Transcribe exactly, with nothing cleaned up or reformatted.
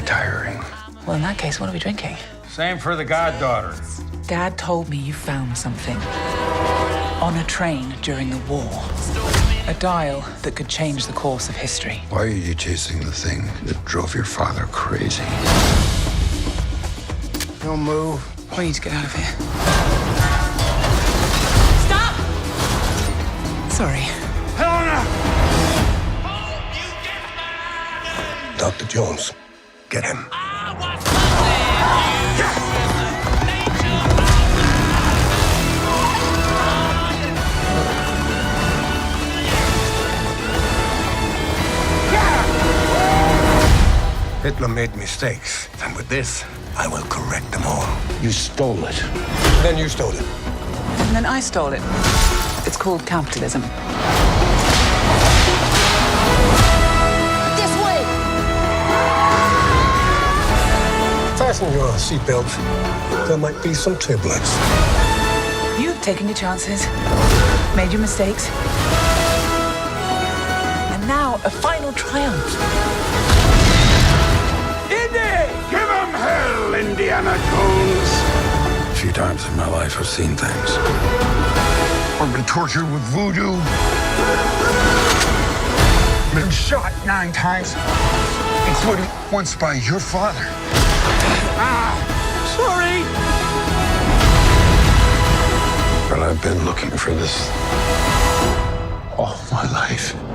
tiring. Well, in that case, what are we drinking? Same for the goddaughter. Dad told me you found something on a train during the war. A dial that could change the course of history. Why are you chasing the thing that drove your father crazy? Don't move. We need to get out of here. Stop! Sorry. Helena! Doctor Jones, get him. Hitler made mistakes, and with this, I will correct them all. You stole it. Then you stole it. And then I stole it. It's called capitalism. This way! Fasten your seatbelts. There might be some turbulence. You've taken your chances, made your mistakes, and now a final triumph. Give him hell, Indiana Jones! A few times in my life, I've seen things. I've been tortured with voodoo. Been shot nine times, including once by your father. Ah, sorry! But I've been looking for this all my life.